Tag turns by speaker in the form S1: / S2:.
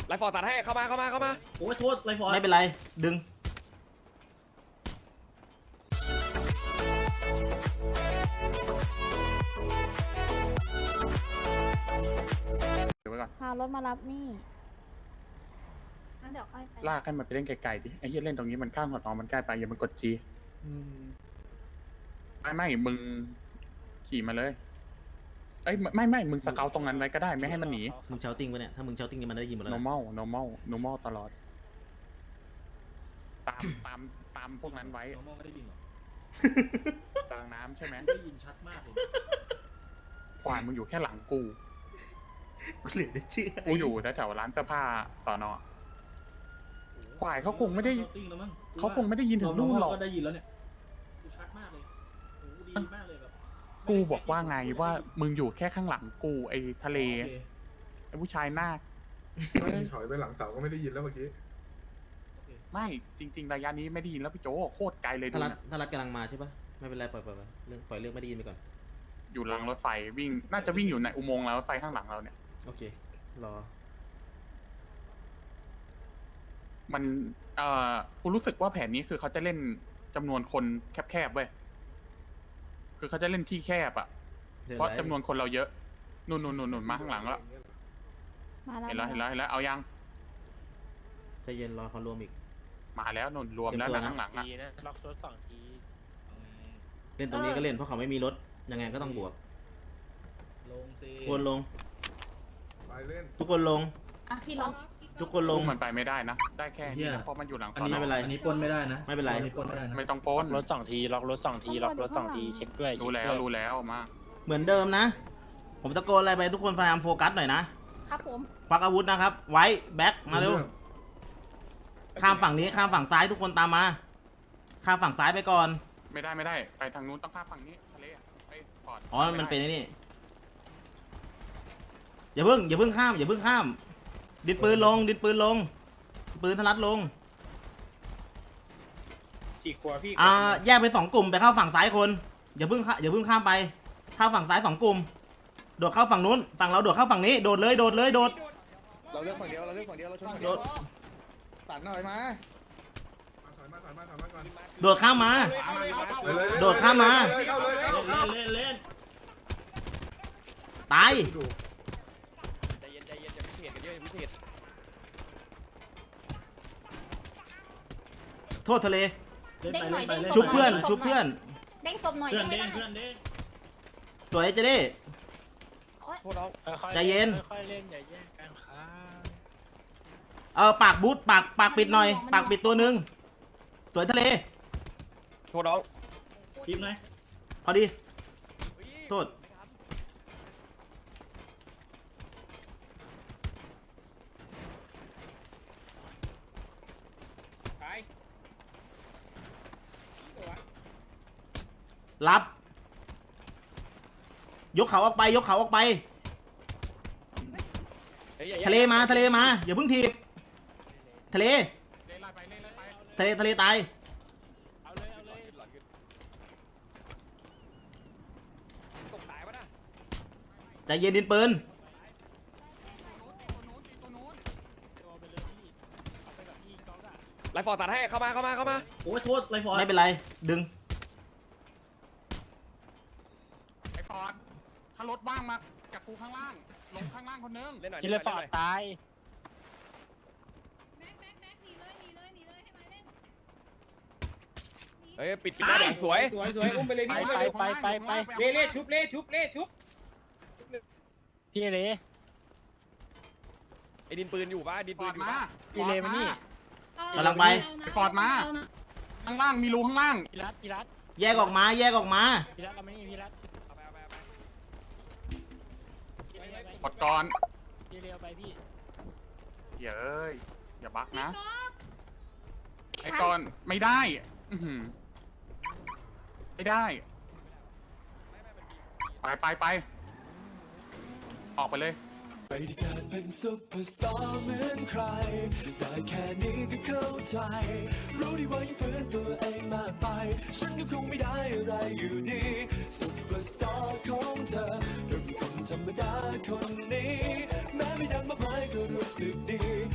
S1: ไลฟ์ฟอร์ตัดให้เข้ามา
S2: โอ้ยโทษไรฟอร์ด
S3: ไม่เป็นไรดึง
S4: พารถมารับนี่
S5: งั้นเดี๋ยวค่อยไป
S6: ลากให้มันไปเล่นไกลๆดิไอ้เหี้ยเล่นตรงนี้มันข้างหัวน้องมันใกล้ไปอย่ามันกดจีไม่มึงขี่มาเลยเอ้ยไม่มึงสเกลตรงนั้นไว้ก็ได้ไม่ให้มันหนี
S3: มึงเชาติ้งปะเนี่ยถ้ามึงเชาติ้งมันได้ยินหมดแล้วนะ
S6: normal ตลอดตามพวกนั้นไว้
S2: น้องมองไม่ได้ยินหรอก
S6: กลางน้ำใช่ไหม
S2: ได้ยินชัดมากเลย
S6: ขวานมึงอยู่แค่หลังกู
S3: เหลือจะเชื่อ
S6: กูอยู่แถวร้านเสื้อผ้าสอนอควายเขาคงไม่ได้ยินถึงนู่นหรอก
S2: ก็ได้ยินแล้วเนี่ยกูชัดมากเลยโอ้ดีมากเลยแบบ
S6: กูบอกว่าไงว่ามึงอยู่แค่ข้างหลังกูไอ้ทะเล
S2: โอเค
S6: ไอ้ผู้ชายหน้า
S7: ถอยไปหลังเสาก็ไม่ได้ยินแล้วเมื่อกี้
S6: ไม่จริงๆระยะนี้ไม่ได้ยินแล้วพี่โจโคตรไกลเลยดู
S3: ถ้ารั
S6: นะ
S3: ดกำลังมาใช่ปะไม่เป็นไรปล่อยเรื่องไม่ได้ยินไปก่อน
S6: อยู่หลังรถไฟวิ่งน่าจะวิ่งอยู่ในอุโมงค์รถไฟข้างหลังเราเนี่ย
S3: โอเครอ
S6: มันกูรู้สึกว่าแผนนี้คือเขาจะเล่นจำนวนคนแคบๆเว้ยคือเขาจะเล่นที่แคบอ่ะเพราะจำนวนคนเราเยอะนุ่นมาข้างหลังแล้ว
S4: มาแล้ว
S6: เห็นแล้วเอายัง
S3: ใจเย็นรอเขารวมอีก
S6: มาแล้วนุ่นรวมแล้วนะข้างหลังอ่ะ
S8: ล็อกรถ2 ที
S3: เล่นตรงนี้ก็เล่นเพราะเขาไม่มีรถยังไงก็ต้องบวก
S2: ลงสิ
S3: ทุกคนลง
S7: ไปเล่น
S3: ทุกคนลง
S5: อ่ะพี่ลอง
S3: ทุกคนล
S6: ลู
S3: ง
S6: กมันไปไม่ได้นะ ได้แค่นี้นะเพราะมันอยู่หลัง
S2: อันนี้
S3: ไม่เป็นไร
S2: อันนี้ปนไม่ได้นะ
S3: ไม่เป็นไร
S2: อันนี้ปนไม่ได้นะ
S6: ไม่ต้องปล้น
S8: รถ2 ทีล็อกรถ2 ทีล็อกรถ2 ทีเช็คด้วย
S6: รู้แล้วมา
S3: เหมือนเดิมนะ ผมตะโกนอะไรไปทุกคนพยายามโฟกัสหน่อยนะครับ
S5: ผม
S3: ควักอาวุธนะครับ ไว้แบ็คมาเร็วข้ามฝั่งนี้ข้ามฝั่งซ้ายทุกคนตามมาข้ามฝั่งซ้ายไปก่อน
S6: ไม่ได้ไปทางนู้นต้องข้ามฝั่งนี้ทะเลไปปอด
S3: อ๋อมันเป็นไอ้นี่อย่าเพิ่งข้ามดินปืนลงปืนทะลัดลง
S8: 4 ขวบพี่
S3: แยกเป็น2 กลุ่มไปเข้าฝั่งซ้ายคนอย่าเพิ่งข้ามไปเข้าฝั่งซ้าย2 กลุ่มโดดเข้าฝั่งนู้นฝั่งเราโดดเข้าฝั่งนี้โดดเลย
S1: เราเลือกฝั่งเดียวเราชนฝั่งเดียวตัดหน่อยมา
S7: ถอยมาก่อน
S3: โดดข้ามมา โดดข้ามมา
S2: เล่น
S3: ตาย
S1: ใจเย็นอย่าพิเศษกันเยอะอย่าพิเศษ
S3: โทษทะเล
S2: ไปเล่น
S3: ชุบเพื่อน
S5: เด้งศพหน่อย
S2: เพื่อน
S5: ได้
S2: เด้ง
S5: ไหม
S2: เพื่อนเด้ง
S3: สวยเจเด้
S1: โทษน้อง
S8: ค่อยๆ
S3: ใจเย็น
S8: ค่อยๆเล่นอย่าแย่งกันครับ
S3: ปากบูทปากปิดหน่อยปากปิดตัวหนึ่งสวยทะเล
S1: โทษน้อง
S2: ทีมไหน
S3: พอดีโทษ รับ ยกเขาออกไปทะเลมาอย่าเพิ่งทีบทะเลตาย
S8: เอาเลย
S1: ตกตายปะนะ
S3: ใจเย็นดินปืน
S8: ตัวไปเลยพี่เอาไปกับพี่ก๊อกอะ
S1: ไลฟ์ฟอร์ตัดให้เข้ามา
S2: โอ้ยโทษไรฟอร์ด
S3: ไม่เป็นไรดึง
S6: ไอ้ปอดถ้ารถว่างมากับกูข้างล่างลงข้างล่างคนนึง
S1: เล่นหน่อย
S8: พี่เลยฟอร์ดตาย
S1: เฮ้ยปิดหน้าสวย
S8: อุ้มไปเลยพี่ไปเล่ชุบพี่เล่
S1: ไอ้ดินปืนอยู่ปะดิน
S6: ป
S1: ปื
S6: อน ด
S1: อยู่
S6: มา
S1: ปะ
S8: พี่เล่มานี่
S3: กำลังไป
S6: ไอ้ปอดมาข้างล่างมีรูข้างล่าง
S8: พี่รัต
S3: แยกออกมา
S8: เรามานี่พี่รัต
S1: เอาไป
S6: ปอดก่อน
S8: พี่เล่เอาไปพี่
S6: อย่าอย่าบักนะไอ้ก่อนไม่ได้ไม่ได้ไปออกไปเลย
S9: ไม่ได้เกิดเป็นซุปเปอร์สตาร์เหมือนใครแต่แค่นี้ก็เข้าใจ รู้ดีว่ายังฝืนตัวเองมากไป ฉันก็คงไม่ได้อะไรอยู่ดีซุปเปอร์สตาร์ของเธอก็เป็นคนธรรมดาคนนี้ แม้ไม่ดังมากมายก็รู้สึกดี